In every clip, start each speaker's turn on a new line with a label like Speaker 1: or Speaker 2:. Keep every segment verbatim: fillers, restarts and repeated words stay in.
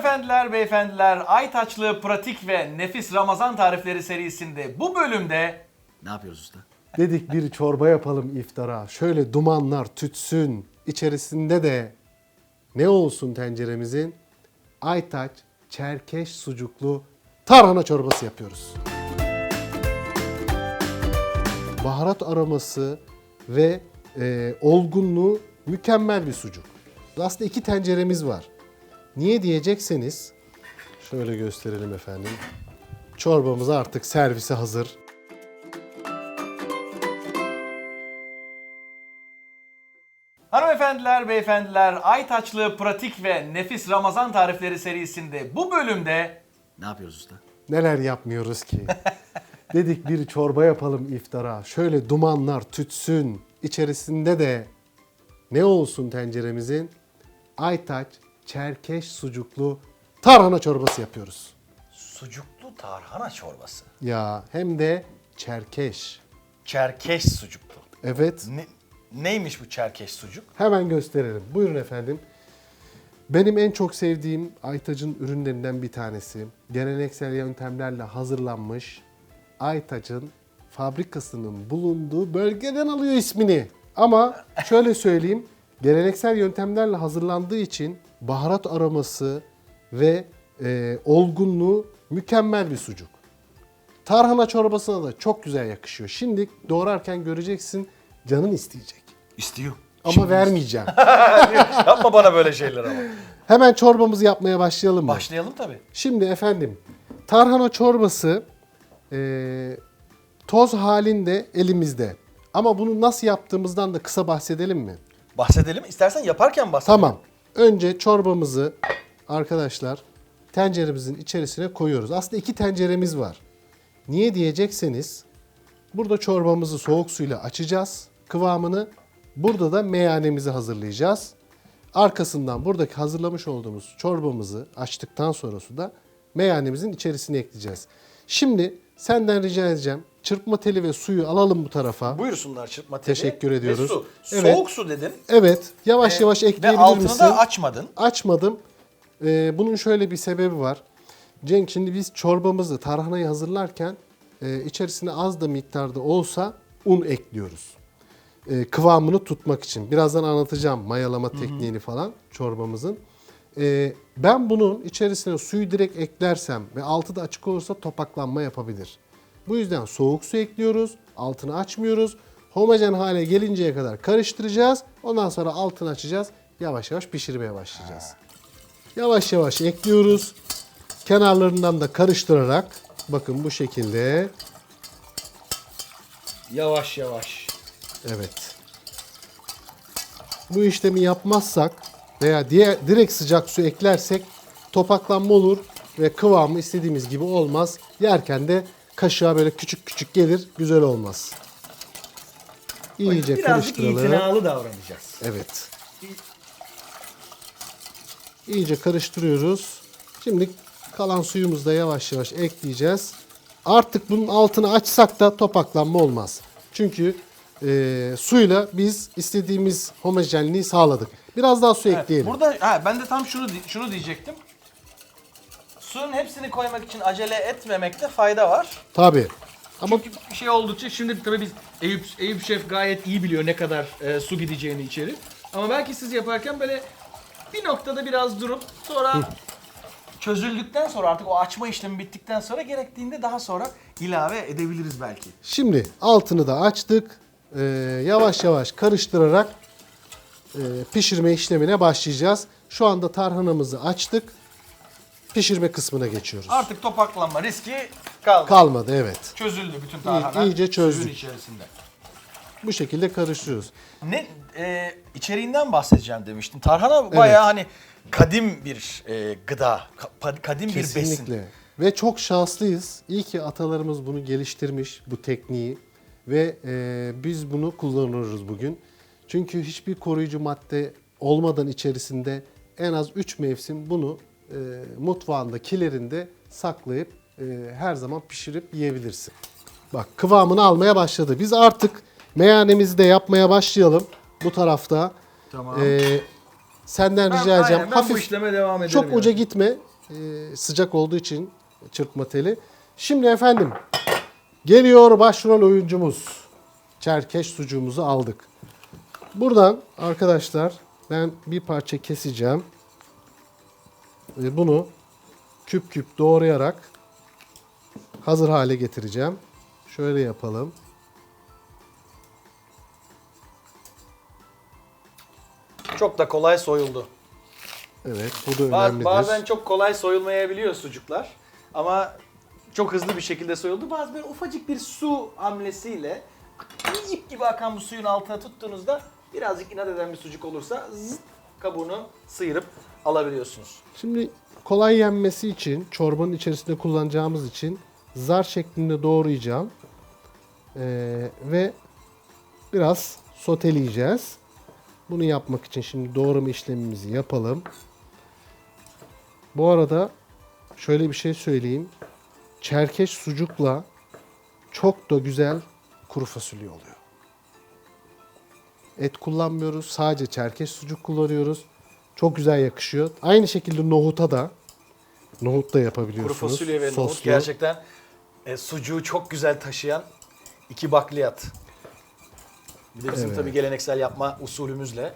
Speaker 1: Hanımefendiler, beyefendiler, Aytaçlı pratik ve nefis Ramazan tarifleri serisinde bu bölümde
Speaker 2: Ne yapıyoruz usta?
Speaker 3: Dedik bir çorba yapalım iftara. Şöyle dumanlar tütsün. İçerisinde de ne olsun tenceremizin? Aytaç çerkeş sucuklu tarhana çorbası yapıyoruz. Baharat aroması ve e, olgunluğu mükemmel bir sucuk. Aslında iki tenceremiz var. Niye diyecekseniz şöyle gösterelim efendim. Çorbamız artık servise hazır.
Speaker 1: Hanımefendiler, beyefendiler, Aytaçlı pratik ve nefis Ramazan tarifleri serisinde bu bölümde
Speaker 2: Ne yapıyoruz usta?
Speaker 3: Neler yapmıyoruz ki? Dedik bir çorba yapalım iftara. Şöyle dumanlar tütsün. İçerisinde de ne olsun tenceremizin? Aytaç çerkeş sucuklu tarhana çorbası yapıyoruz.
Speaker 1: sucuklu tarhana çorbası.
Speaker 3: Ya hem de çerkeş.
Speaker 1: Çerkeş sucuklu.
Speaker 3: Evet.
Speaker 1: Ne, neymiş bu çerkeş sucuk?
Speaker 3: Hemen gösterelim. Buyurun efendim. Benim en çok sevdiğim Aytaç'ın ürünlerinden bir tanesi. Geleneksel yöntemlerle hazırlanmış Aytaç'ın fabrikasının bulunduğu bölgeden alıyor ismini. Ama şöyle söyleyeyim, geleneksel yöntemlerle hazırlandığı için baharat aroması ve e, olgunluğu mükemmel bir sucuk. Tarhana çorbasına da çok güzel yakışıyor. Şimdi doğrarken göreceksin, canın isteyecek.
Speaker 2: İstiyor.
Speaker 3: Ama vermeyeceğim.
Speaker 1: Yapma bana böyle şeyler ama.
Speaker 3: Hemen çorbamızı yapmaya başlayalım mı?
Speaker 1: Başlayalım tabii.
Speaker 3: Şimdi efendim, tarhana çorbası e, toz halinde elimizde. Ama bunu nasıl yaptığımızdan da kısa bahsedelim mi?
Speaker 1: Bahsedelim. İstersen yaparken bahsedelim.
Speaker 3: Tamam. Önce çorbamızı arkadaşlar tenceremizin içerisine koyuyoruz. Aslında iki tenceremiz var. Niye diyecekseniz burada çorbamızı soğuk suyla açacağız kıvamını. Burada da meyanemizi hazırlayacağız. Arkasından buradaki hazırlamış olduğumuz çorbamızı açtıktan sonra suda meyanemizin içerisine ekleyeceğiz. Şimdi senden rica edeceğim. Çırpma teli ve suyu alalım bu tarafa.
Speaker 1: Buyursunlar çırpma teli.
Speaker 3: Teşekkür ediyoruz.
Speaker 1: Ve su.
Speaker 3: Evet.
Speaker 1: Soğuk su dedin.
Speaker 3: Evet. Yavaş yavaş
Speaker 1: Ve
Speaker 3: ekleyebilir
Speaker 1: altını
Speaker 3: misin?
Speaker 1: da açmadın.
Speaker 3: Açmadım. Ee, bunun şöyle bir sebebi var. Cenk, şimdi biz çorbamızı, tarhanayı hazırlarken e, içerisine az da miktarda olsa un ekliyoruz. E, kıvamını tutmak için. Birazdan anlatacağım mayalama tekniğini falan çorbamızın. E, ben bunun içerisine suyu direkt eklersem ve altı da açık olursa topaklanma yapabilir. Bu yüzden soğuk su ekliyoruz. Altını açmıyoruz. Homojen hale gelinceye kadar karıştıracağız. Ondan sonra altını açacağız. Yavaş yavaş pişirmeye başlayacağız. Yavaş yavaş ekliyoruz. Kenarlarından da karıştırarak bakın bu şekilde.
Speaker 1: Yavaş yavaş.
Speaker 3: Evet. Bu işlemi yapmazsak veya diğer direkt sıcak su eklersek topaklanma olur ve kıvamı istediğimiz gibi olmaz. Yerken de kaşığa böyle küçük küçük gelir, güzel olmaz. İyice
Speaker 1: Birazcık
Speaker 3: karıştıralım.
Speaker 1: itinalı davranacağız.
Speaker 3: Evet. İyice karıştırıyoruz. Şimdi kalan suyumuzu da yavaş yavaş ekleyeceğiz. Artık bunun altını açsak da topaklanma olmaz. Çünkü e, suyla biz istediğimiz homojenliği sağladık. Biraz daha su ekleyelim.
Speaker 1: Burada ha, ben de tam şunu şunu diyecektim. Suyun hepsini koymak için acele etmemekte fayda var.
Speaker 3: Tabii. Ama
Speaker 4: Çünkü bir şey oldukça şimdi tabii biz Eyüp, Eyüp Şef gayet iyi biliyor ne kadar e, su gideceğini içeri. Ama belki siz yaparken böyle bir noktada biraz durup sonra
Speaker 1: Çözüldükten sonra artık o açma işlemi bittikten sonra gerektiğinde daha sonra ilave edebiliriz belki.
Speaker 3: şimdi altını da açtık. E, yavaş yavaş karıştırarak e, pişirme işlemine başlayacağız. Şu anda tarhanamızı açtık. Pişirme kısmına geçiyoruz.
Speaker 1: Artık topaklanma riski kalmadı.
Speaker 3: Kalmadı, evet.
Speaker 1: Çözüldü bütün tarhana.
Speaker 3: iyice çözdük.
Speaker 1: Suyun içerisinde.
Speaker 3: Bu şekilde karıştırıyoruz.
Speaker 1: Ne e, içeriğinden bahsedeceğim demiştin. Tarhana bayağı hani kadim bir e, gıda, ka- kadim bir besin.
Speaker 3: Kesinlikle. Ve çok şanslıyız. İyi ki atalarımız bunu geliştirmiş, bu tekniği. Ve e, biz bunu kullanıyoruz bugün. Çünkü hiçbir koruyucu madde olmadan içerisinde en az üç mevsim bunu e, mutfağında, kilerinde saklayıp e, her zaman pişirip yiyebilirsin. Bak, kıvamını almaya başladı. Biz artık meyanemizi de yapmaya başlayalım bu tarafta.
Speaker 4: Tamam.
Speaker 3: E, senden
Speaker 4: Ben-
Speaker 3: rica edeceğim.
Speaker 4: aynen, ben bu
Speaker 3: Hafif,
Speaker 4: işleme devam ederim.
Speaker 3: çok
Speaker 4: yani.
Speaker 3: uca gitme. e, sıcak olduğu için çırpma teli. Şimdi efendim geliyor başrol oyuncumuz. Çerkeş sucuğumuzu aldık. Buradan arkadaşlar ben bir parça keseceğim. Ve bunu küp küp doğrayarak hazır hale getireceğim. Şöyle yapalım.
Speaker 1: Çok da kolay soyuldu.
Speaker 3: Evet, bu da
Speaker 1: Baz-
Speaker 3: önemlidir.
Speaker 1: Bazen çok kolay soyulmayabiliyor sucuklar. Ama çok hızlı bir şekilde soyuldu. Bazı böyle ufacık bir su hamlesiyle ip gibi akan bu suyun altına tuttuğunuzda birazcık inat eden bir sucuk olursa zıt kabuğunu sıyırıp alabiliyorsunuz.
Speaker 3: Şimdi kolay yenmesi için, çorbanın içerisinde kullanacağımız için zar şeklinde doğrayacağım. Ee, ve biraz soteleyeceğiz. Bunu yapmak için şimdi doğrama işlemimizi yapalım. Bu arada şöyle bir şey söyleyeyim. Çerkeş sucukla çok da güzel kuru fasulye oluyor. Et kullanmıyoruz. Sadece çerkeş sucuk kullanıyoruz. Çok güzel yakışıyor. Aynı şekilde nohuta da nohut da
Speaker 1: Kuru
Speaker 3: yapabiliyorsunuz.
Speaker 1: fasulye ve nohut
Speaker 3: Soslu.
Speaker 1: gerçekten e, sucuğu çok güzel taşıyan iki bakliyat. Bir de bizim
Speaker 3: Evet.
Speaker 1: tabii geleneksel yapma usulümüzle.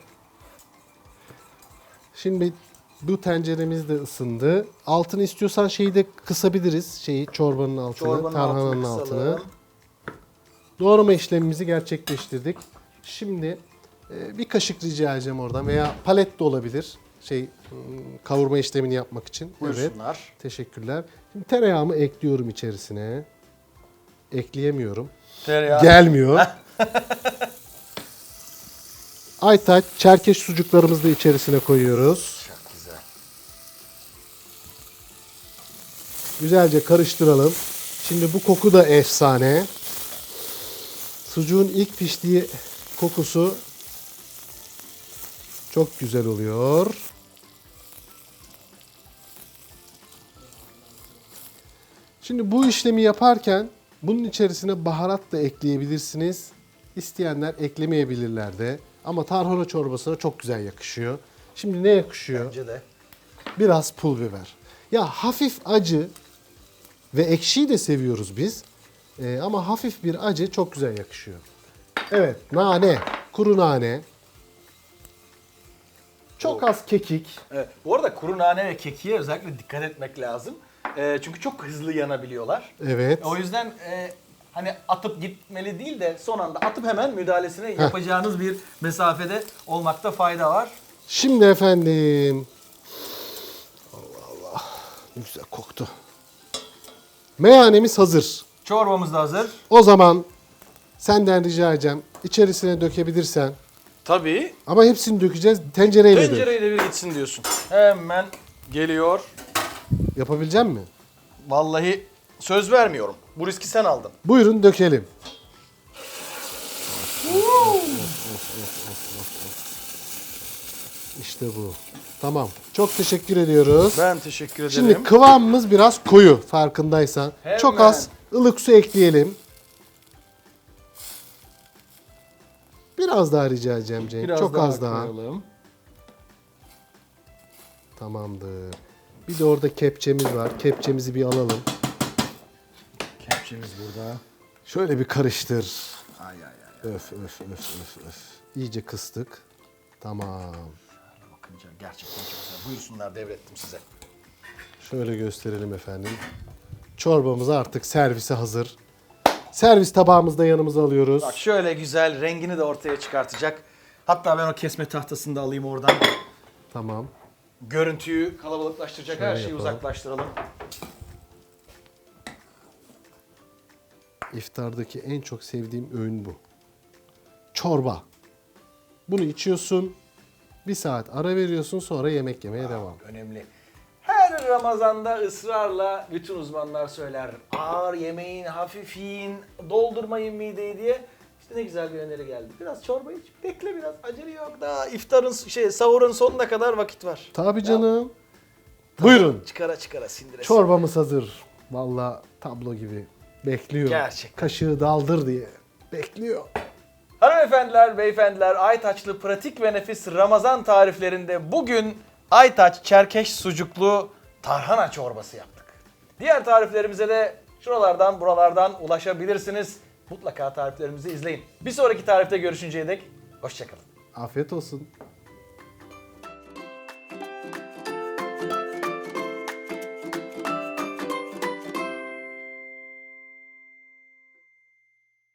Speaker 3: Şimdi bu tenceremiz de ısındı. Altını istiyorsan şeyi de kısabiliriz. Şeyi çorbanın altını,
Speaker 1: Çorbanın
Speaker 3: tarhananın
Speaker 1: altını
Speaker 3: altını.
Speaker 1: kısalım.
Speaker 3: Doğrama işlemimizi gerçekleştirdik. Şimdi e, bir kaşık rica edeceğim oradan veya palet de olabilir. Şey hmm, kavurma işlemini yapmak için. Evet.
Speaker 1: Buyursunlar.
Speaker 3: Teşekkürler. Şimdi tereyağımı ekliyorum içerisine. Ekleyemiyorum.
Speaker 1: Tereyağı.
Speaker 3: Gelmiyor. Aytaç çerkeş sucuklarımızı da içerisine koyuyoruz.
Speaker 1: Çok güzel.
Speaker 3: Güzelce karıştıralım. Şimdi bu koku da efsane. Sucuğun ilk piştiği kokusu çok güzel oluyor. Şimdi bu işlemi yaparken bunun içerisine baharat da ekleyebilirsiniz. İsteyenler eklemeyebilirler de. Ama tarhana çorbasına çok güzel yakışıyor. Şimdi ne yakışıyor?
Speaker 1: Bence de.
Speaker 3: Biraz pul biber. Ya hafif acı ve ekşiyi de seviyoruz biz. Ee, ama hafif bir acı çok güzel yakışıyor. Evet, nane, kuru nane. Çok az kekik.
Speaker 1: Evet. Bu arada kuru nane ve kekiğe özellikle dikkat etmek lazım. E, çünkü çok hızlı yanabiliyorlar.
Speaker 3: Evet.
Speaker 1: O yüzden e, hani atıp gitmeli değil de son anda atıp hemen müdahalesini yapacağınız bir mesafede olmakta fayda var.
Speaker 3: Şimdi efendim. Allah Allah. Ne güzel koktu. Meyanemiz hazır.
Speaker 1: Çorbamız da hazır.
Speaker 3: O zaman senden rica edeceğim. İçerisine dökebilirsen.
Speaker 1: Tabii.
Speaker 3: Ama hepsini dökeceğiz. Tencereyle dök.
Speaker 1: Tencereyle bir gitsin diyorsun. Hemen geliyor.
Speaker 3: Yapabilecek misin?
Speaker 1: Vallahi söz vermiyorum. Bu riski sen aldın.
Speaker 3: Buyurun dökelim. İşte bu. Tamam. Çok teşekkür ediyoruz.
Speaker 1: Ben teşekkür ederim.
Speaker 3: Şimdi kıvamımız biraz koyu farkındaysan.
Speaker 1: Hemen.
Speaker 3: Çok az ılık su ekleyelim. Biraz daha rica edeceğim Cenk.
Speaker 1: Biraz
Speaker 3: Çok
Speaker 1: daha
Speaker 3: az daha.
Speaker 1: koyalım.
Speaker 3: Tamamdır. Bir de orada kepçemiz var. Kepçemizi bir alalım.
Speaker 1: Kepçemiz burada.
Speaker 3: Şöyle bir karıştır.
Speaker 1: Ay ay ay.
Speaker 3: Öf öf öf öf öf. İyice kıstık. Tamam.
Speaker 1: Bakınca gerçekten çok güzel. Buyursunlar, devrettim size.
Speaker 3: Şöyle gösterelim efendim. Çorbamız artık servise hazır. Servis tabağımızı da yanımıza alıyoruz.
Speaker 1: Bak şöyle güzel rengini de ortaya çıkartacak. Hatta ben o kesme tahtasını da alayım oradan.
Speaker 3: Tamam.
Speaker 1: Görüntüyü kalabalıklaştıracak
Speaker 3: Şöyle
Speaker 1: her şeyi
Speaker 3: yapalım.
Speaker 1: uzaklaştıralım.
Speaker 3: İftardaki en çok sevdiğim öğün bu. Çorba. Bunu içiyorsun. Bir saat ara veriyorsun, sonra yemek yemeye devam.
Speaker 1: Önemli. Her Ramazan'da ısrarla bütün uzmanlar söyler. Ağır yemeyin, hafif yiyin, doldurmayın mideyi diye. İşte ne güzel bir öneri geldi. Biraz çorba iç, bekle biraz. Acele yok. Daha iftarın, şey, sahurun sonuna kadar vakit var.
Speaker 3: Tabii canım. Buyurun.
Speaker 1: Çıkara çıkara sindire.
Speaker 3: Çorbamız hazır. Vallahi tablo gibi. Bekliyor.
Speaker 1: Gerçekten.
Speaker 3: Kaşığı daldır diye. Bekliyor.
Speaker 1: Hanımefendiler, beyefendiler, Aytaçlı pratik ve nefis Ramazan tariflerinde bugün Aytaç Çerkeş sucuklu tarhana çorbası yaptık. Diğer tariflerimize de şuralardan buralardan ulaşabilirsiniz. Mutlaka tariflerimizi izleyin. Bir sonraki tarifte görüşünceye dek hoşçakalın.
Speaker 3: Afiyet olsun.